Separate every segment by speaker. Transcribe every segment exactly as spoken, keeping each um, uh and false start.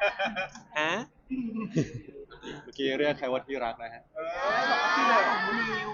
Speaker 1: ฮะ
Speaker 2: เมื่อกี้เรียกใครว่าที่รักนะฮะ
Speaker 3: เออบอกว่าที่เดิมของนิว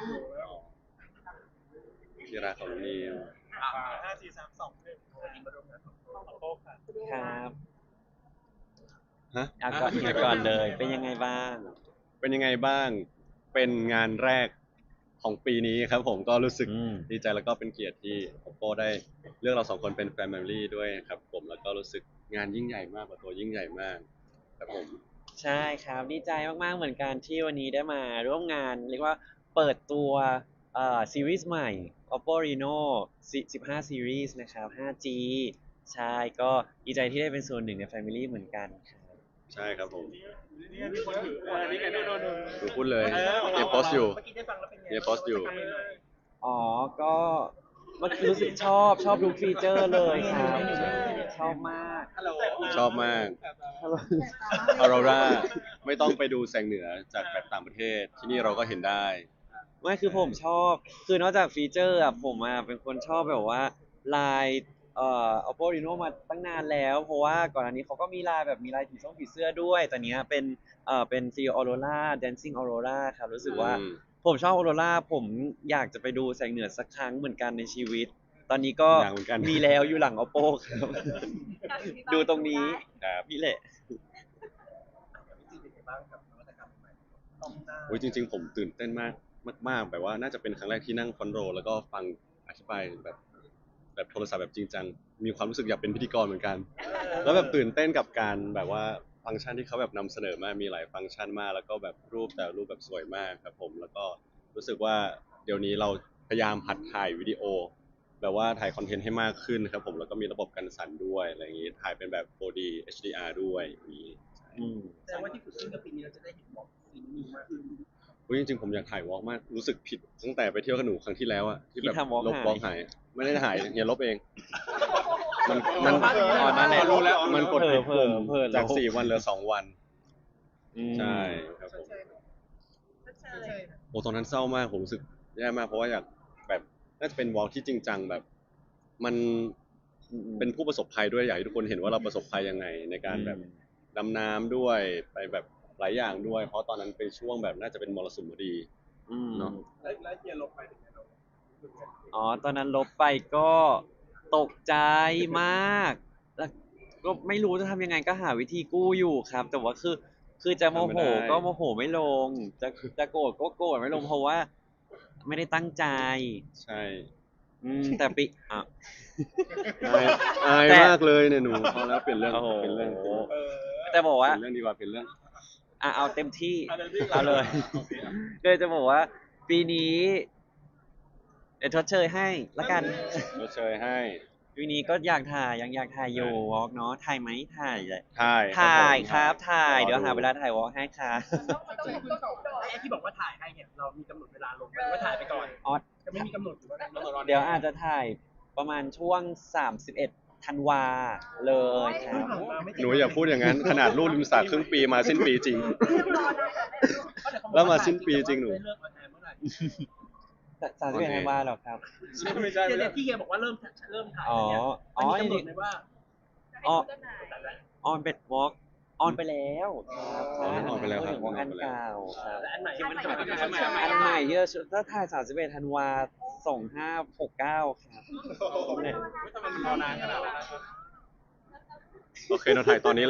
Speaker 2: ที่รักของนิว
Speaker 3: ห้าสี่สามสองหนึ่งวันนี้มาร่วมงานของโป๊กค่ะ
Speaker 1: ครับ
Speaker 2: ฮะ
Speaker 1: เอาก่อนเฮียก่อนเลยเป็นยังไงบ้าง
Speaker 2: เป็นยังไงบ้างเป็นงานแรกของปีนี้ครับผมก็รู้สึก
Speaker 1: อืม
Speaker 2: ดีใจแล้วก็เป็นเกียรติที่ Oppo ได้เลือกเราสองคนเป็น Family ด้วยครับผมแล้วก็รู้สึกงานยิ่งใหญ่มากกว่าตัวยิ่งใหญ่มากครับผม
Speaker 1: ใช่ครับดีใจมากๆเหมือนกันที่วันนี้ได้มาร่วมงานเรียกว่าเปิดตัวเอ่อซีรีส์ใหม่ Oppo Reno สิบห้า Series นะครับ ห้า จี ใช่ก็ดีใจที่ได้เป็นส่วนหนึ่งใน Family เหมือนกันครับ
Speaker 2: ใช่ครับผม
Speaker 3: นี่มีคนถือเออนี่ไงนู่นนู่นนู่น
Speaker 2: ดูพูดเลย
Speaker 3: เออของ
Speaker 2: เอ
Speaker 3: เรา
Speaker 2: โพสอยู่
Speaker 3: เมื่อกี้ได้ฟังแล้วเป็นไง
Speaker 2: เอโพสอยู่
Speaker 1: อ๋อ ก็เมื่อกี้รู้สึกชอบชอบทุกฟีเจอร์เลยครับ ชอบมาก
Speaker 3: ฮัลโหล
Speaker 2: ชอบมาก ออโรราไม่ต้องไปดูแสงเหนือจากแบบต่างประเทศ ที่นี่เราก็เห็นได้
Speaker 1: ไม่คือผมชอบ คือนอกจากฟีเจอร์อะผมอะเป็นคนชอบแบบว่าลายเอ่อ Oppo Reno มาตั้งนานแล้ว เพราะว่าก่อนอันนี้เขาก็มีลายแบบมีลายผีส้มผีเสื้อด้วยแต่เนี้ยเป็นเอ่อเป็น Trio Aurora Dancing Aurora ครับรู้สึกว่า
Speaker 2: อืม
Speaker 1: ผมชอบ Aurora ผมอยากจะไปดูแสงเหนือสักครั้งเหมือนกันในชีวิต ตอนนี้ก็
Speaker 2: อยากเหมือนกัน
Speaker 1: มีแล้วอยู่หลัง Oppo ครับ ดูตรงนี้
Speaker 2: ครับ
Speaker 1: นี่แหละ
Speaker 3: จริงๆเป็นไงบ้างกับนวัตกรรมใหม่ต้องหน้า
Speaker 2: โอ้ยจริงๆผมตื่นเต้นมากมากๆแบบว่าน่าจะเป็นครั้งแรกที่นั่งคอนโทรลแล้วก็ฟังอธิบายแบบแบบโทรศัพท์แบบจริงจังมีความรู้สึกอยากเป็นพิธีกรเหมือนกัน แล้วแบบตื่นเต้นกับการแบบว่าฟังก์ชันที่เขาแบบนำเสนอมามีหลายฟังก์ชันมากแล้วก็แบบรูปแต่รูปแบบสวยมากครับผมแล้วก็รู้สึกว่าเดี๋ยวนี้เราพยายามหัดถ่ายวิดีโอแบบว่าถ่ายคอนเทนต์ให้มากขึ้นครับผมแล้วก็มีระบบกันสั่นด้วยอะไรอย่างนี้ถ่ายเป็นแบบ โฟร์ ดี เอช ดี อาร์ ด้วยอย่างนี้
Speaker 1: อืม
Speaker 3: แสดงว่าที่ฝึกขึ้นกับปีนี้เราจะได้เห็นบล็อกซีนี้มากขึ้น
Speaker 2: อุ๊ยจริงๆผมอยากถ่ายวอล์กมากรู้สึกผิดตั้งแต่ไปเที่ยวกับหนูครั้งที่แล้วอะที่แบบ
Speaker 1: ที่ทำ walk
Speaker 2: ลบ
Speaker 1: หาย
Speaker 2: วอล์กหายไม่ได้หายเฮียลบเอง มันมัน
Speaker 1: อ๋อนั่นแหละ
Speaker 2: รู้แล้วมันกดผิด
Speaker 1: เผลอ
Speaker 2: ปุ่ม
Speaker 1: เผลอ
Speaker 2: จาก
Speaker 1: ลบ
Speaker 2: สี่วันเหลือสองวัน
Speaker 1: อืม
Speaker 2: ใช่ครับผมโอ้ตอนนั้นเศร้ามากผมรู้สึกแย่มากเพราะว่าอยากแบบน่าจะเป็นวอล์กที่จริงจังแบบ มัน
Speaker 1: อืม
Speaker 2: เป็นผู้ประสบภัยด้วยอยากให้ทุกคนเห็นว่าเราประสบภัยยังไงในการแบบดำน้ำด้วยไปแบบหลายอย่างด้วย เพราะตอนนั้นเป็นช่วงแบบน่าจะเป็นมรสุมพอดี
Speaker 1: อืม
Speaker 2: เนอะ
Speaker 3: แล้วแล้วเฮียลบไปเป็นไงเรา
Speaker 1: อ๋อ ตอนนั้นลบไปก็ตกใจมาก แล้วก็ไม่รู้จะทำยังไงก็หาวิธีกู้อยู่ครับ แต่ว่าคือ คือจะโมโห
Speaker 2: ทำไม่ได้
Speaker 1: ก็โมโหไม่ลง จะจะโกรธก็โกรธไม่ลงเพราะว่า ไม่ได้ตั้งใจ
Speaker 2: ใช่
Speaker 1: อืม แต่ปิอ่ะ
Speaker 2: อายอาย
Speaker 1: แต่
Speaker 2: มากเลยเนี่ยหนูพอแล้วเปลี่ยนเรื่อง
Speaker 1: โอ้โห
Speaker 2: เปลี่ยนเรื่องเปลี่ยนเรื่อง
Speaker 3: เออ
Speaker 1: แต่บอก
Speaker 2: เป
Speaker 1: ว่า
Speaker 2: ลี่ยนเรื่องดีกว่าเปลี่ยนเรื่อง
Speaker 1: อ่ะเอาเต็มที่
Speaker 3: เอาเต็มที่
Speaker 1: เอาเลย
Speaker 3: โอเคอ่ะ
Speaker 1: เลยจะบอกว่า ปีนี้เดี๋ยวชดเชยให้ละกัน
Speaker 2: ชดเชยให้
Speaker 1: ปีนี้ก็อยากถ่ายยังอยากถ่ายอยู่วอล์กเนาะถ่ายไหมถ่ายเลย
Speaker 2: ถ่าย
Speaker 1: ถ่าย
Speaker 2: ผม
Speaker 1: ครับถ่าย
Speaker 2: รอ
Speaker 1: เดี๋ยวหาเวลาถ่ายวอล์กให้ครับ
Speaker 3: ไอ้ที่บอกว่าถ่ายให้เนี่ยเรามีกำหนดเวลาลงไหมว่าถ่ายไปก่อน
Speaker 1: อ๋อ
Speaker 3: จะไม่มีกำหนดหรือว่ากำหนดรอ
Speaker 1: เดี๋ยวอาจจะถ่ายประมาณช่วงสามสิบเอ็ดธันวาเลยครับ
Speaker 2: หนูอย่าพูดอย่างนั้น ขนาดรูดริมสระครึ่งปีมาสิ้นปีจริง แล้วมาสิ้นปีจริงหนู
Speaker 3: เริ่มออนแอร์เมื่อไหร่
Speaker 1: สามสิบเอ็ดธันวาเหรอครับ
Speaker 2: ไม่ใช่
Speaker 3: เดี๋
Speaker 2: ไม่
Speaker 3: ยว
Speaker 2: ใช่
Speaker 3: ที่เฮียบอกว่าเริ่มเริ่มถ่าย
Speaker 1: อ๋อ
Speaker 3: เนี่ย
Speaker 1: อ๋อ
Speaker 3: มันมีกำหนดไหมว่า
Speaker 1: อ๋อ
Speaker 3: แต่ละ
Speaker 1: ออนเป็นวอล์กออนไปแล้วครับ
Speaker 2: อ๋อออนไปแล้วครับ
Speaker 1: พูดถึงวอล์กอันเก่าครับ
Speaker 3: และอันใหม่
Speaker 4: ที่มันถ่าย
Speaker 1: อันใหม่ที่เราถ้าถ่ายสามสิบเอ็ดธันวาสองห้าหกเก้าครับเนี่ย
Speaker 3: ไม่ทำไมมันรอนานขนาดนั้นนะครับ
Speaker 2: โอเคเราถ่ายตอนนี้เลย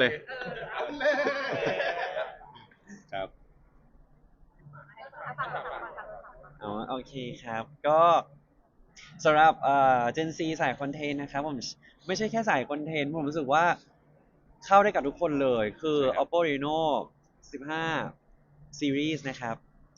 Speaker 2: ครับ
Speaker 1: อ๋อโอเคครับ ก็สำหรับเอ่อ Gen Z สายคอนเทนต์นะครับผมไม่ใช่แค่สายคอนเทนต์ผมรู้สึกว่าเข้าได้กับทุกคนเลยคือ
Speaker 2: ใช่ครับ
Speaker 1: Oppo Reno สิบห้า Series นะครับ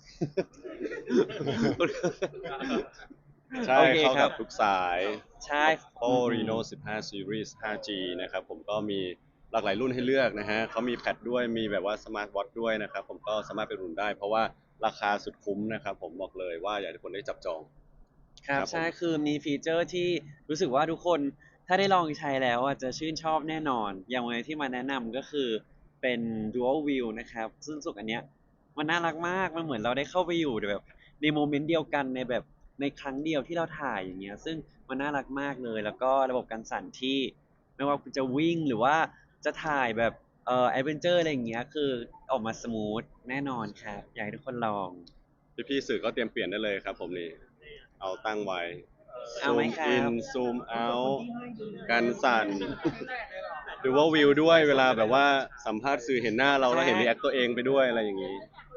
Speaker 2: ใช่
Speaker 1: โอเค
Speaker 2: เข้า
Speaker 1: ครั
Speaker 2: กับ บทุกสาย
Speaker 1: ใช่
Speaker 2: Oppo Reno สิบห้า Series ห้า จี นะครับผมก็มีหลากหลายรุ่นให้เลือกนะฮะเขามีแพดด้วยมีแบบว่า Smart Watch ด้วยนะครับผมก็สามารถไปรุ่นได้ เพราะว่าราคาสุดคุ้มนะครับผมบอกเลยว่าอยากให้ทุกคนได้จับจอง
Speaker 1: ครับ
Speaker 2: ครับผม
Speaker 1: ใช่คือมีฟีเจอร์ที่รู้สึกว่าทุกคนถ้าได้ลองใช้แล้วอ่ะจะชื่นชอบแน่นอน อย่างวันที่มาแนะนำก็คือเป็น Dual View นะครับ ซึ่งรู้สึกอันเนี้ยมันน่ารักมากมันเหมือนเราได้เข้าไปอยู่แบบในโมเมนต์เดียวกันในแบบในครั้งเดียวที่เราถ่ายอย่างเงี้ยซึ่งมันน่ารักมากเลย แล้วก็ระบบการสั่นที่ไม่ว่าคุณจะวิ่งหรือว่าจะถ่ายแบบเเอ่อแอดเวนเจอร์อะไรอย่างเงี้ยคือออกมาสมูทแน่นอนครับอยากให้ทุกคนลอง
Speaker 2: พี่ๆสื่อก็เตรียมเปลี่ยนได้เลยครับผมนี่เอาตั้งไว้
Speaker 1: เอา
Speaker 2: ซู
Speaker 1: ไหม
Speaker 2: ม
Speaker 1: ครับ
Speaker 2: อินซูมเอาการสั่นดูว่าวิวด้วยเวลาแบบว่าสัมภาษณ์สื่อเห็นหน้าเราแล้วเห็นรีแอคตัวเองไปด้วยอะไรอย่างนี้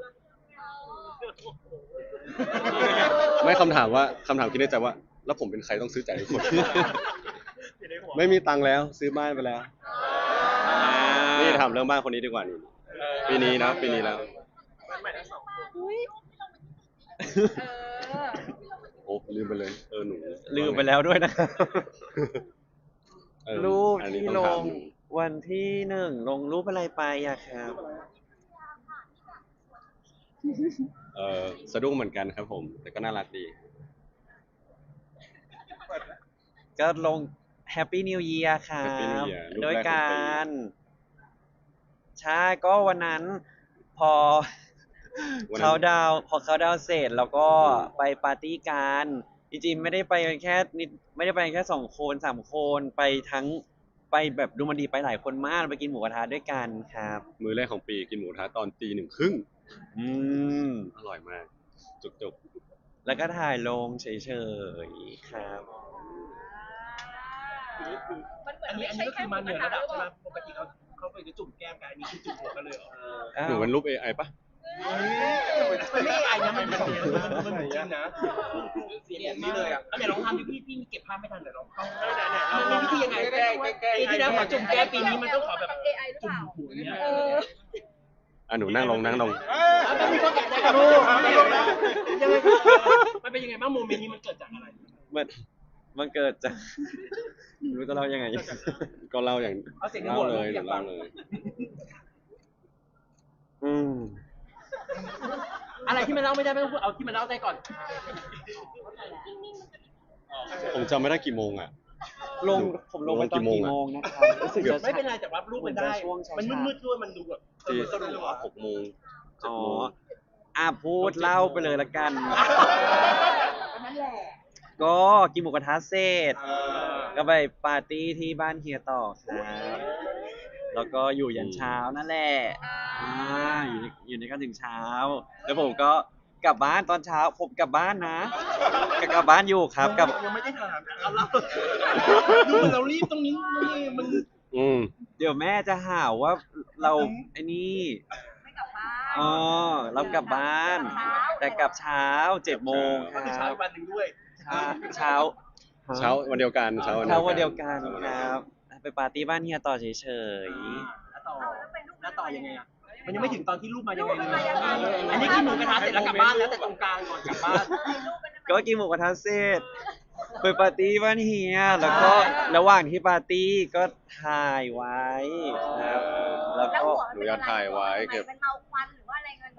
Speaker 2: ไม่คำถามว่าคำถามคิดในใจว่า แล้วผมเป็นใครต้องซื้อจ่ายทุกคน ไม่มีตังค์แล้วซื้อบ้านไปแล้ว นี่ทำเรื่องบ้านคนนี้ดีกว่านี่ปีนี้นะปีนี้แล้ว โอ้ลืมไปเลย เออหนู
Speaker 1: ลืมไปแล้วด้วยนะครับ
Speaker 2: เออ
Speaker 1: รูป
Speaker 2: อันนี้
Speaker 1: ที่
Speaker 2: ต้อง
Speaker 1: ล
Speaker 2: ถาม
Speaker 1: ง
Speaker 2: หนู
Speaker 1: วันที่หนึ่งลงรูปอะไรไปอะครับ
Speaker 2: เออสะดุ้งเหมือนกันครับผม แต่ก็น่ารักดี
Speaker 1: ก็ลง Happy New Year ครั
Speaker 2: Happy New
Speaker 1: บ
Speaker 2: Year รูป
Speaker 1: โดย
Speaker 2: แรกของ
Speaker 1: กา
Speaker 2: ปี
Speaker 1: รใช่ก็วันนั้นพอ
Speaker 2: วันนั้น
Speaker 1: เขาดาวน์พอเขาดาวน์เสร็จแล้วก็
Speaker 2: อืม
Speaker 1: ไปปาร์ตี้กันจริงๆไม่ได้ไปกันแค่นิดไม่ได้ไปกันแค่สองคนสามคนไปทั้งไปแบบดูมันดีไปหลายคนมากไปกินหมูกระทะด้วยกันครับ
Speaker 2: มื้อแรกของปีกินหมูกระทะตอนตีหนึ่งครึ่ง
Speaker 1: อืม
Speaker 2: อร่อยมาก จุก
Speaker 1: แล้วก็ถ่ายลงเฉยๆครับ
Speaker 4: มันเหมือ
Speaker 3: อั
Speaker 4: น
Speaker 3: นนี้
Speaker 4: ไม่
Speaker 3: อัน
Speaker 4: ใช่
Speaker 3: นี้ก็
Speaker 4: แค่
Speaker 3: คือ
Speaker 4: หมู
Speaker 3: มาก เหนื
Speaker 4: ระ
Speaker 3: อ
Speaker 4: ทะ
Speaker 3: ระดับ
Speaker 4: หรือ
Speaker 3: ใช่
Speaker 4: เป
Speaker 3: ไหม
Speaker 4: ล่า
Speaker 3: ปกติเขาเขาไปจะจุ่มแก้มกันอันนี้คือจุ่มหัวกันเลยเหรอ
Speaker 2: ๆหนูเป็นรูป เอ ไอ ปะ
Speaker 3: มันไม่ไอ้นะมันเป็นมันมันเหมือนจริงนะเสียงนี้เลยอ่ะไหนลองทำดิพี่พี่เก็บภาพไม่ทันเดี๋ยวลองเข้ามันมีวิธียังไงแก้ปีที่แล้วขอจุ่มแก้ปีนี้มันต้องขอแบบ
Speaker 4: เอไอหรือ
Speaker 3: จุ่
Speaker 4: เป
Speaker 3: ม
Speaker 4: ล่า
Speaker 3: หัวเนี่ย
Speaker 4: เออ
Speaker 2: อ่ะหนูนั่งลงนั่งลง
Speaker 3: มันมีข้อแก้ได้ครับลูกยังไงมันเป็นยังไงบ้างโมเมนต์นี้มันเกิดจากอะไร
Speaker 1: มันมันเกิดจาก ไม่รู้จะเล่ายังไง
Speaker 2: ก็เล่าอย่าง
Speaker 3: เอาเสียงใน
Speaker 2: เล่า
Speaker 3: หัว
Speaker 2: เลย
Speaker 3: อ
Speaker 2: หนู
Speaker 3: ยากฟั
Speaker 2: เล่าง เลย
Speaker 1: อืม
Speaker 3: อะไรที่มันเล่าไม่ได้ไม่ต้องพูดเอาที่มันเล่าได้ก่อน
Speaker 2: ผมจำไม่ได้กี่โมงอ่ะ
Speaker 1: ลงผมลงไปตอนกี่โมงนะครับรู้สึกจะ
Speaker 3: ไม่เป็นไรแต่ว่ารูปมันได้
Speaker 1: ช่วงเช้าๆ
Speaker 3: มันมืดๆด้วยมันดูแบบ
Speaker 2: ตี
Speaker 3: สนุกอ่ะ
Speaker 2: หกโมงเจ็ด
Speaker 1: อ๋อ
Speaker 2: โมง
Speaker 1: อ่ะพูดเล่าไปเลยละกัน
Speaker 4: นั่นแหละ
Speaker 1: ก็กินหมูกระทะเสร็จ ก็ไปปาร์ตี้ที่บ้านเฮียต่อครับแล้วก็อยู่ยันเช้านั่นแหละอ่าอยู่ในอยู่ในกันถึงเช้า แล้วผมก็กลับบ้านตอนเช้า ผมกลับบ้านนะก็กลับบ้านอยู่ครับกลับ
Speaker 3: ยังไม่ได้ถามเอาเล่าดูเหมือนเรารีบตรงนี้นี่มัน
Speaker 2: อืม
Speaker 1: เดี๋ยวแม่จะหาว่าเราไอ้นี่
Speaker 4: ไม่กลับบ้าน
Speaker 1: อ๋อเรากลับบ้าน แต่กลับเช้าเจ็ดโมงค
Speaker 3: ก็
Speaker 1: รั
Speaker 3: คือเช้า
Speaker 1: บ
Speaker 3: อีกวันหนึ่งด้วย
Speaker 1: เช้าเช้า
Speaker 2: เช้าวันเดียวกันเช้า
Speaker 1: เช้าวันเดียวกัน
Speaker 2: ช้าวั
Speaker 1: ครับ ไปปาร์ตี้บ้านเฮียต่อเฉย
Speaker 3: แล้วต่อ
Speaker 4: เอาแล้วเป็นรูป
Speaker 3: แล้วต่อยังไงอ่ะมันยังไม่ถึงตอนที่รูปมายังไง
Speaker 4: รูป
Speaker 3: เล
Speaker 4: มันมาย ยังไง
Speaker 3: อันนี้กินหมูกระทะเสร็จแล้วกลับบ้านแล้วแต่ตรงกลางก่อนกลับบ้าน
Speaker 1: ๆก็กินหมูกระทะเสร็จไปปาร์ตี้บ้านเฮียแล้วก็ระหว่างที่ปาร์ตี้ก็ถ่ายไว้ครับ แล้ว
Speaker 4: แล้ว
Speaker 1: ก็
Speaker 4: หัวมันเป็นอะไรมันเมาควันหรือว่าอะไรเงิน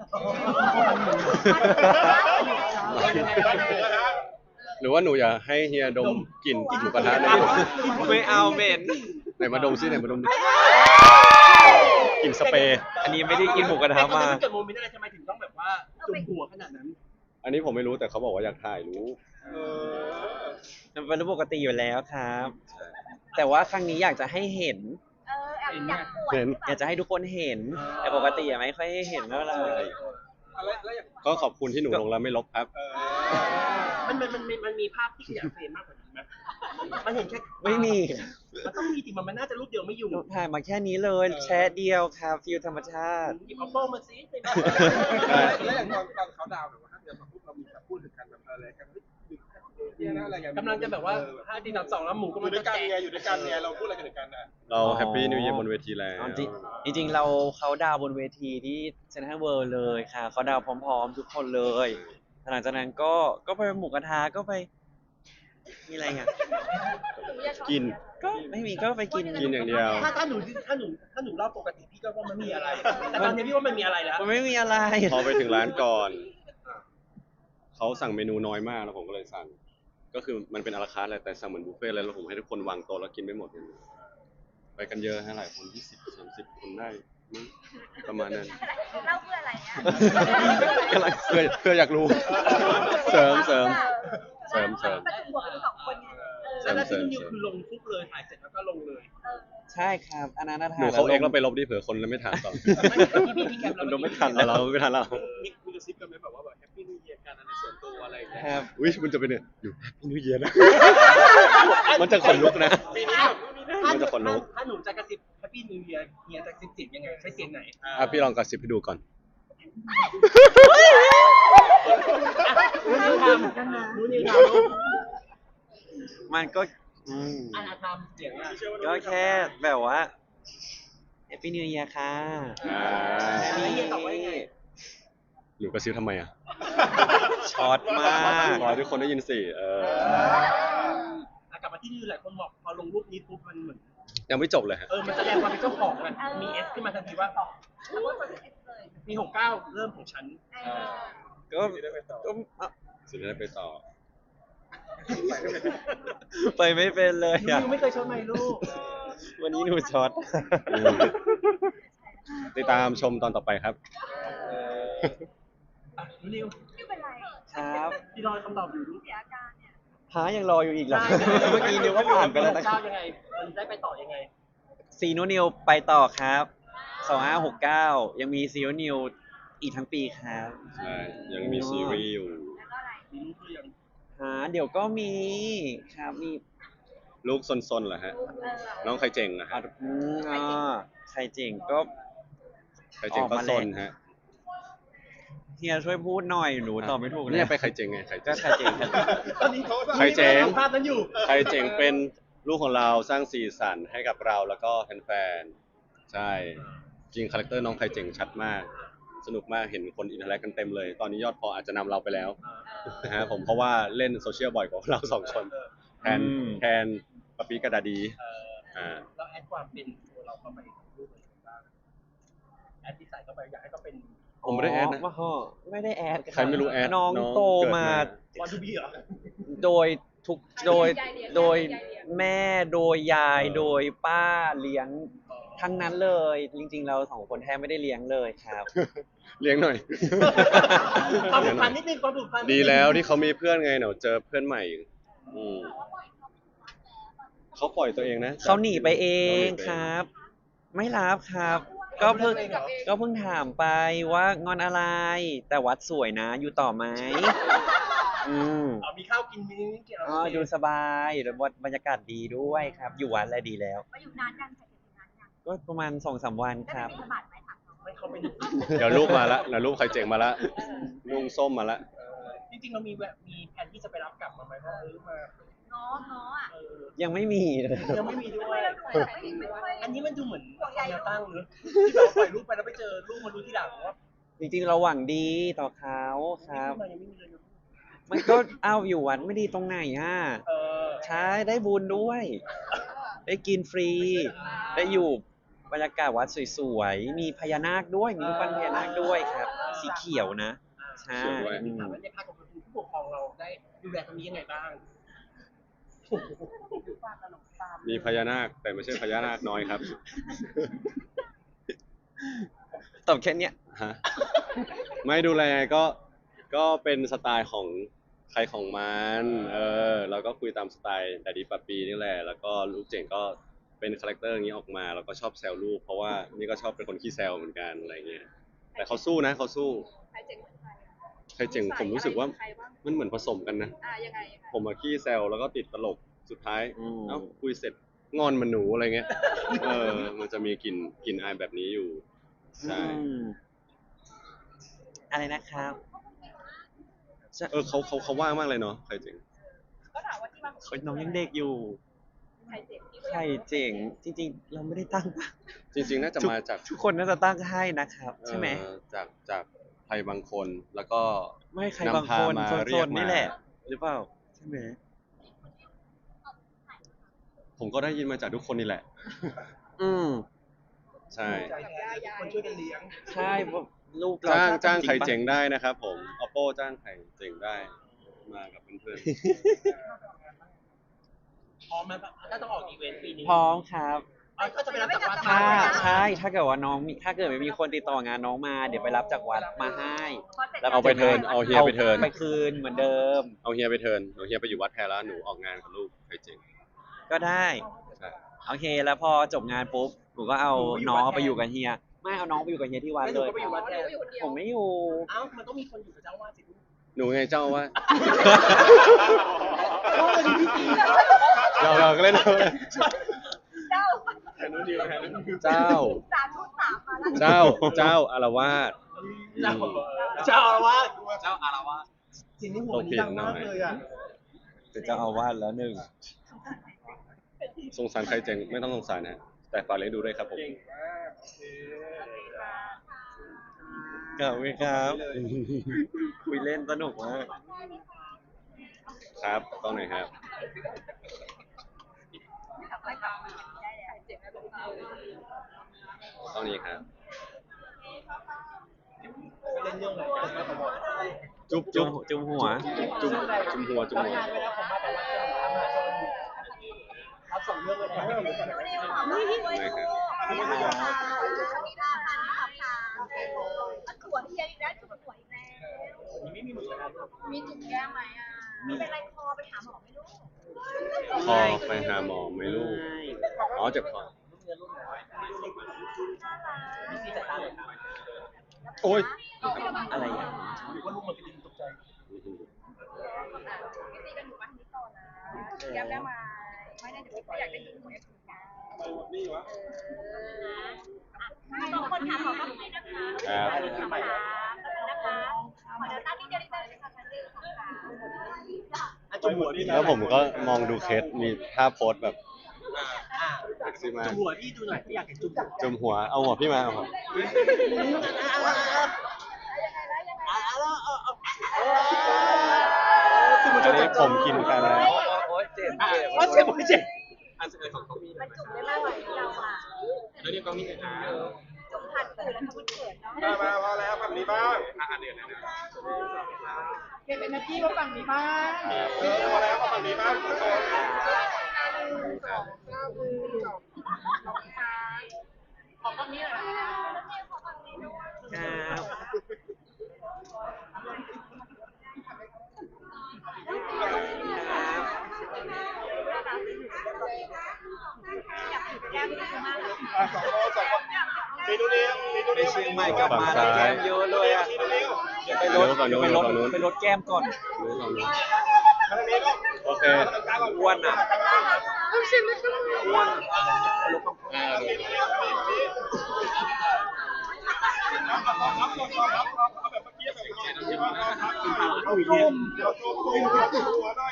Speaker 2: หรือว่าหนูอยากให้เฮียดมกลิ่นกลิ่นหมูกระทะในอย
Speaker 1: ไม่เอาเหม็น
Speaker 2: ไหนมาดมซิไหนมาดมดิกลิ่นสเปรย์
Speaker 1: อันนี้ไม่ได้กินหมูกระทะมา
Speaker 3: เกิดโมเมนต์อะไรทำไมถึงต้องแบบว่าจุ่มหัวขนาดนั้น
Speaker 2: อันนี้ผมไม่รู้แต่เขาบอกว่าอยากถ่ายรู้
Speaker 1: มันเป็นเรื่องปกติอยู่แล้วครับ แต่ว่าครั้งนี้อยากจะให้เห็น
Speaker 4: เออแอบอยากปวด
Speaker 2: เห็น
Speaker 1: อยากจะให้ทุกคนเห็น แต่ปกติอะไม่ค่อยให้เห็นเท่าไหร่
Speaker 2: ก็ขอบคุณที่หนูลงแล้วไม่ลบครับ
Speaker 3: มันมันมันมันมีภาพที่ขยายเฟรมมากกว่านี้ไหมมันเห็นแค่
Speaker 1: ไม่มี
Speaker 3: มันต้องมีติมันมันน่าจะรูปเดียวไม่อยู่
Speaker 1: ถ่ายมาแค่นี้เลยแชะเดียวครับฟิลธรรมชาติ
Speaker 3: หยิบเอาโป้มาซิ
Speaker 5: แล้วอย่างตอนตอนเขาดาวน์แบบว่าถ้าเกิดมาพูดเรามีแบบพูดถึงกันแบบอะไรกันเนี่ยนะอะไรกัน
Speaker 3: กำลังจะแบบว่าห้าดีสามสองแล้วหมูก็
Speaker 5: อ
Speaker 3: มัน
Speaker 5: ยู่ด้วยกันไงอยู่ด้วยกันไงเราพูดอะไรกันถึงกันอ่ะ
Speaker 2: เรา
Speaker 1: อ๋อ
Speaker 2: แฮปปี้นิวเยียร์บนเวทีแล้ว
Speaker 1: อ๋อจริงจริงๆเราเขาดาวน์บนเวทีที่เซนทรัลเวิลด์เลยค่ะเขาดาวน์พร้อมๆ ทุกคนเลย หลังจากนั้นก็ก็ไปหมูกระทะก็ไปมีอะไรอ่ะ
Speaker 2: กิน
Speaker 1: ก็ไม่มีก็ไปกิน
Speaker 2: กินอย่างเดียว
Speaker 3: ถ้าถ้าหนูถ้าหนูถ้าหนูเล่าปกติพี่ก็ว่ามันมีอะไร แต่ตอนนี้พี่ว่ามันมีอะไรแล้ว
Speaker 1: มันไม่มีอะไร
Speaker 2: พอไปถึงร้านก่อน เขาสั่งเมนูน้อยมากแล้วผมก็เลยสั่ง ก็คือมันเป็นอาราคาร์ทแหละแต่สั่งเหมือนบุฟเฟ่ต์เลยแล้วผมให้ทุกคนวางโต๊ะแล้วกินไม่หมดเลยไปกันเยอะฮะหลายคนยี่สิบสามสิบคนได้มั้งประมาณนั้น
Speaker 4: เล่าเพื่ออะไรเนี่ย
Speaker 1: กำลัง
Speaker 2: เพื่อเพื่ออยากรู้ เสริมเสริม เสริมเสริม
Speaker 4: ประจุบวกกันสองคนไงเออ
Speaker 3: แล้วที่นิวคือลงปุ๊บเลยถ่ายเสร็จแล้วก็ลงเลย
Speaker 4: เออ
Speaker 1: ใช่ครับอันนั้นนะ
Speaker 2: หนูเขาเอ็กซ์แล้วไปลบดิเผื่อคนไม่ถามต่อ
Speaker 3: พี่พี่พี่แคปแล้ว
Speaker 1: มันไม่
Speaker 3: เอ
Speaker 1: ทัน
Speaker 2: เอาเราไม่ทันเรา
Speaker 5: มีมีกระซิบกันไหมแบบว่าแบบแฮปปี้นิวเยียร์กันในส่วนตัวอะไรอย่างเงี้ย
Speaker 1: ครับ
Speaker 2: อุ้ยมันจะเป็นเนี่ยอยู่แฮปปี้นิวเยียร์นะ มันจะขนลุกนะ
Speaker 5: ปีนี้แบบปีนี้
Speaker 2: มันจะขนลุก
Speaker 3: ถ้าหนูจะกระซิบแฮปปี้นิวเยียร์เฮียจะกระซิบเสียงยังไงใช้เสียงไหน
Speaker 2: อ่ะพี่ลองกระซิบให้ดูก่อน
Speaker 3: รู้นิวทำรู้นิวทำลูก
Speaker 1: มันก็อืม
Speaker 3: อันอาทำเสียงอ่ะ
Speaker 1: ก็แค่แบบว่า Happy New Year ค่ะ
Speaker 2: อ่า
Speaker 1: แค่
Speaker 3: แล้ว
Speaker 1: นี้
Speaker 3: เฮียตอบว่ายังไง
Speaker 2: หนูกระซิบทำไมอ่ะ
Speaker 1: ช็อตมาก
Speaker 2: ขอให้ทุกคนได้ยินสิเออ
Speaker 3: อ่ะกลับมาที่นิวหลายคนบอกพอลงรูปนี้ปุ๊บมันเหมือน
Speaker 2: ยังไม่จบเลยฮะ
Speaker 3: เออมันแสดงความเป็นเจ้าของอ่ะมีเอสขึ้นมาทันทีว่า
Speaker 4: แล้วก็คนเอสเลย
Speaker 3: มีหกเก้าเริ่มของฉัน
Speaker 4: เออ
Speaker 1: ก็ก็อ่ะ
Speaker 2: สุดท้ายไปต่อ
Speaker 1: ไปไม่เป็นเลย
Speaker 3: นิ
Speaker 1: อ่ะ
Speaker 3: วไม่เคยชดไหมลูก
Speaker 1: วันนี้หนูช็อต
Speaker 2: อืมติดตามชมตอนต่อไปครับ
Speaker 3: อ่ะนิว
Speaker 4: ไม่เป็นไร
Speaker 1: ครับ
Speaker 3: พี่รอคำตอบอยู่ลูก
Speaker 4: เสียอาการเนี่ย
Speaker 1: หายังรออยู่อีกเหรอ เมื่อกี้นิวก็ผ่านไปแล้วนะ
Speaker 3: เจ้ายังไงมันได้ไปต่อยังไง
Speaker 1: ซีโนนิวไปต่อครับสองห้าหกเก้ายังมีซีโนนิวอีกทั้งปีครับ
Speaker 2: ใช่ ยังมีซีรีส์อยู่
Speaker 4: แล้วก็อะไร
Speaker 3: มีลูกหรือยัง
Speaker 1: หาเดี๋ยวก็มีครับมี
Speaker 2: ลูกซนๆเหรอฮะ
Speaker 4: เออ
Speaker 2: น้องใครเจ๋งนะ
Speaker 1: อ่ะ
Speaker 2: ฮะ
Speaker 1: อืมอ่าใครเจ๋งก็
Speaker 2: ใครเจ๋งก็
Speaker 1: ออกมา
Speaker 2: ซ
Speaker 1: แล้ว
Speaker 2: นฮะ
Speaker 1: เฮียช่วยพูดหน่อยหนูตอบไม่ถูกเลย
Speaker 2: เนี่ยไปใครเจ๋งไงใคร
Speaker 1: ก็
Speaker 2: เจ๋ง
Speaker 1: ใครเจ๋งครับ
Speaker 5: ตอนนี้เขา
Speaker 2: ใครเจ๋ง
Speaker 3: ภาพนั้นอยู่
Speaker 2: ใครเจ๋งเป็นลูกของเราสร้างสีสันให้กับเราแล้วก็แฟนๆ ใช่ จริงคาแรคเตอร์น้องใครเจ๋งชัดมาก สนุกมากเห็นคนอินเทอร์แอคกันเต็มเลย ตอนนี้ยอดพออาจจะนำเราไปแล้วนะฮะผมเพราะว่าเล่นโซเชียลบ่อยกว่าเราสองคนแทน
Speaker 1: อืม
Speaker 2: แทนปะปีกระดาดี
Speaker 3: เออ
Speaker 2: อ่า
Speaker 3: เราแอดความเป็นตัวเราเข้าไปรูปเลยบ้างแอดที่ใส่เข้าไปอยากให้เขาเป็น
Speaker 2: ผมไม่ได้แอดนะ
Speaker 1: ว่าห่อไม่ได้แอด
Speaker 2: ใครไม่รู้แอด
Speaker 1: น้อง
Speaker 2: น้อง
Speaker 1: โต
Speaker 2: เกิด
Speaker 1: มา
Speaker 2: มา
Speaker 3: บอลทูบีเหรอ
Speaker 1: โดยทุกโดยโดยแม่โดยยาย
Speaker 2: เออ
Speaker 1: โดยป้าเลี้ยงทั้งนั้นเลย จริงๆ เราสองคนแทบไม่ได้เลี้ยงเลยครับ
Speaker 2: เลี้ยงหน่อย
Speaker 3: ความผูกพันนิดนึงความผูกพันนินึง
Speaker 2: ดีแล้วที่เขามีเพื่อนไงเดี๋ยวเจอเพื่อนใหม่อืมเขาปล่อยตัวเองนะ
Speaker 1: เขาหนีไปเอง
Speaker 2: ขาหนีไป
Speaker 1: ครับ ไม่รับครับ ก็เพิ่งก็เพิ่งถามไปว่างอนอะไร แต่วัดสวยนะอยู่ต่อไหมอืม
Speaker 3: อ๋อมีข้าวกินมีนี่กิน
Speaker 1: อ๋อดูสบายแล้ววัดบรรยากาศดีด้วยครับ อยู่วัดอะไรดีแล้ว
Speaker 4: มาอยู่นานยังใส่อยู่นานยัง
Speaker 1: ก็ประมาณสองสามวัน
Speaker 4: ได้
Speaker 1: ครับ
Speaker 4: ไปบิณฑบาตไหมถามน้อง
Speaker 3: ไม่เขาเป็น
Speaker 2: เดี๋ยวรูปมาละเดี๋ยวรูปใครเจ๋งมาละลุงส้มมาละ
Speaker 3: จริงๆเรามีแบบมีแผนที่จะไปรับกลับมาไหมว่าเออมา
Speaker 4: ง้อง้ออ่ะ
Speaker 3: เออ
Speaker 1: ยังไม่มีเลย
Speaker 3: ยังไม่มีด้
Speaker 4: ทำ
Speaker 3: ว
Speaker 4: ไม
Speaker 3: ย
Speaker 4: เราดูแบบไม่ไม่ค่อย
Speaker 3: อันนี้มันดูเหมือนแนวตั้งเนอะที่แบบว่าปล่อยรูปไปแล้วไปเจอรูปมารู้ที่หลังว่า
Speaker 1: จริงๆเราหวังดีต่อเขาครับ
Speaker 3: รูปมายังไม่มีเลยนะ
Speaker 1: มันก็เอาอยู่วัดไม่ดีตรงไหนอ่ะ
Speaker 3: เออ
Speaker 1: ใช้ได้บุญด้วย ได้กินฟรี ได้อยู่บรรยากาศวัดสวยๆ มีพญานาคด้วย มีรูปปั้นพญานาคด้วยครับ สีเขียวนะ ใช่
Speaker 2: เขียวด้วย
Speaker 1: อืม
Speaker 3: ถามว่าในภาคของผู้ปกครองเราได้ดูแลตรงนี้ยังไงบ้าง
Speaker 2: มีพญานาคแต่ไม่ใช่พญานาคน้อยครับ
Speaker 1: ตอบแค่เนี้ย
Speaker 2: ฮะไม่ดูแลก็ก็เป็นสไตล์ของใครของมันเออเราก็คุยตามสไตล์แต่ดีปะปีนี่แหละแล้วก็ลูกเจ๋งก็เป็นคาแรคเตอร์อย่างนี้ออกมาแล้วก็ชอบแซวลูกเพราะว่านี่ก็ชอบเป็นคนขี้แซวเหมือนกันอะไรเงี้ยแต่เขาสู้นะเขาสู้
Speaker 4: ใครเจ๋งเหมือนใคร
Speaker 2: ใครเจ๋งผมรู้สึกว่า
Speaker 4: ใครบ้าง
Speaker 2: มันเหมือนผสมกันนะ
Speaker 4: อ่ายังไงยังไง
Speaker 2: ผมมาขี้แซวแล้วก็ติดตลกสุดท้าย
Speaker 1: อืม
Speaker 2: เอ้าคุยเสร็จงอนเหมันหนูอะไรเงี้ยเออมันจะมีกลิ่นกลิ่นอายแบบนี้อยู่ใช่
Speaker 1: อืมอะไรนะครับ
Speaker 2: เออเขาเขาเขาว่างมากเลยเนาะใครเจ๋ง
Speaker 4: ก็ถามว่าที่มา
Speaker 1: เขาน้องยังเด็กอยู่
Speaker 4: ใครเจ๋งที่
Speaker 1: ใครเจ๋ง จริงๆ เราไม่ได้ตั้ง
Speaker 2: จริง ๆ น่าจะมาจาก
Speaker 1: ทุกคนน่าจะตั้งให้นะครับ ใช่ไหม
Speaker 2: เอ่อจากจากใครบางคนแล้วก็
Speaker 1: ไม่ใคร
Speaker 2: นำ
Speaker 1: บางคน
Speaker 2: พามา
Speaker 1: โซ
Speaker 2: เรียก
Speaker 1: น
Speaker 2: มา
Speaker 1: ๆนี่แหละ หรือเปล่า ใช่ไหม
Speaker 2: ผมก็ได้ยินมาจากทุกคนนี่แหละ
Speaker 1: อืม
Speaker 2: ใช่
Speaker 3: ใจแท้คนช่วยกันเลี้ยง
Speaker 1: ใช่เพราะลูกเรา
Speaker 2: จ้าง
Speaker 1: ชอบ
Speaker 2: จ้างใคร
Speaker 1: ปะ
Speaker 2: เจ๋งได้นะครับผม oppo จ้างใครเจ๋งได้มากับเพื่อน
Speaker 3: พร้อมไหมถ้าต้องออกอีเวนต์ปีนี้
Speaker 1: พร้อมครับ
Speaker 3: เอาก็จะไปรับจากวัด
Speaker 1: ถ้า
Speaker 3: มา
Speaker 1: ใช่ ถ้าเกิดว่าน้องมีถ้าเกิดไม่มีคนติดต่องานน้องมา เดี๋ยวไปรับจากวัดมาให้ แล้ว
Speaker 2: ๆเอาไปเทิร์นเอาเฮียไปเทิร์น
Speaker 1: ไปคืนเหมือนเดิม
Speaker 2: เอาเฮียไปเทิร์นเอาเฮียไปอยู่วัดแพรแล้วหนูออกงานกับลูกใครเจ๋ง
Speaker 1: ก็ได้
Speaker 2: ใช่
Speaker 1: โอเค แล้วพอจบงานปุ๊บหนูก็เอาน้องไปอยู่กับเฮียไม่เอาน้องไปอยู่กับเฮียที่วัด
Speaker 3: แล้วห
Speaker 1: เลย
Speaker 3: นูก็ไปอยู่วัดแทน
Speaker 1: ผมไม่อยู่
Speaker 3: เอ้ามันต้องมีคนอยู่กับเจ้าว่าสิลูก
Speaker 2: หนูไงเจ้าว่า
Speaker 3: โอ้ยพี่ตี
Speaker 2: เราเราก็เล่นเอาเลย
Speaker 4: เจ้า
Speaker 2: เจ้า
Speaker 4: สามทุกสามมาแล้ว
Speaker 2: เจ้าเจ้าอารวาส
Speaker 3: เจ้าเจ้าอารวาส
Speaker 1: เจ้าอารวาส
Speaker 3: เสียงในหัวมันดังมากเลยอ่ะ
Speaker 1: เป็นเจ้าอาวาสแล้วหนึ่ง
Speaker 2: สงสารใครเจ๋งไม่ต้องสงสารนะแต่ฝากเลี้ยงดูด้วยครับผม
Speaker 5: เก่งมากโอเค
Speaker 1: ขอบคุณครับ คุยเล่นสนุกมาก
Speaker 2: ครับต้องไหนครับ
Speaker 4: กลับไปกลับมาได้เลยเจ็บไม่เป็นไร
Speaker 2: ต้องนี้ครับ
Speaker 3: เล่นเรื่องอะไรกันมาตลอด
Speaker 2: จุ๊บ
Speaker 1: จุ่
Speaker 2: จุ๊
Speaker 1: ม
Speaker 2: บ
Speaker 1: จุ่มหัว
Speaker 2: จุ๊บจุ๊บหัวจุ๊บหัว
Speaker 3: ทำงานไปแล้วผมมาแต่ว่าจะทำงานชนรับสองเรื่องเลยนะ
Speaker 4: นี่ขอมาด้วยลูกนี่ค่ะนี่ได้ค่ะนี่ขอบค่ะอันสวยที่ยังอีกแล้วจุดสวยอีกแล้ว
Speaker 3: นี่ไม่มีหมดเลยนะ
Speaker 4: มีจุดแก้มไหมอ่ะไม่เป็นไรคอไปหาหมอไม่รู้
Speaker 2: คอไปหาหมอไหม่ลูกอ๋อเจ็บคอ
Speaker 3: พี่ซีจัดตาเลยครับ
Speaker 2: โอ้ย
Speaker 1: อะไรอย่าง
Speaker 3: ว่าลูกมันเป็นตกใจ
Speaker 4: พี่ตีกันอยู่บ้านนี้ต่อนะแก้มได้ไหมไม่ได้เดี๋ยวไม่อยากได้จุดหัวเอฟซีนะ
Speaker 5: นี่วะ
Speaker 4: สองคนถามหมอก็ให้นะคะ
Speaker 2: ครับ
Speaker 4: นะคะนะคะขอเดี๋ยวตั้งนิดเดียวนิดเดียวนะคะชั้นเดียวค่ะ
Speaker 3: อ่ะจุ่มหัวพี่
Speaker 2: แล้วผมก็มองดูเคสมีท่าโพสแบบ
Speaker 3: อ่า
Speaker 2: เซ็กซี่มาก
Speaker 3: จุ่มหัวพี่ดูหน่อยพี่อยากเห็นจุ่มหัว
Speaker 2: จุ่มหัวเอาหัวพี่มาเอาหัว อันนี้ผมกินกันแล้ว
Speaker 1: โอ๊ยเจ็บ
Speaker 3: โอ้เจ็บโอ้เจ็บ
Speaker 1: อันสุดท้ายของเขามี
Speaker 4: มันจุ่มได้มากกว่าที่เราอ่ะ
Speaker 1: แล้วนี่ก็มีนะ
Speaker 4: จุ่มทันตื่นแล้วทำมันเกิดเนาะ
Speaker 5: มามาพอแล้วฝั่งนี้บ้าง
Speaker 1: อันเดียวนะ
Speaker 4: เก็บเอเนอร์จีมาฝั่งนี้บ้าง
Speaker 5: เออพอแล้วฝั่งนี้บ้างทุกคน
Speaker 4: ขอฝั่งนี้หน่อยนะขอฝั่งนี้ด้วย
Speaker 1: ครับ
Speaker 4: อยากจุดแก้มด้วยมากเลย
Speaker 5: อ่ะสองคนสองคนมีดูนิ้วมีดู
Speaker 1: ไป
Speaker 5: นิ้ว
Speaker 1: เชียงใหม่กลับมาแล้วแก้มเยอะเลยอ่ะ
Speaker 5: มีดูนิ้ว
Speaker 1: ไปรถไปรถไปรถแก้มก่อน
Speaker 5: ทางนี้ลูก
Speaker 2: โอเค
Speaker 1: อ้วนอ่ะอ้วน
Speaker 2: อ่าดู
Speaker 5: รับรับรับรับรับเอาแบบเมื่อกี้แบบเมื่อกี้ว่าเราพักเอาจุ่มเราจุ่มจุ่มหัวหน่อย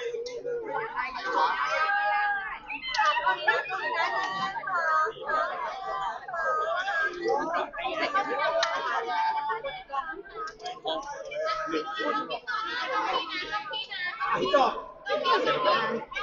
Speaker 3: ไอ้จบ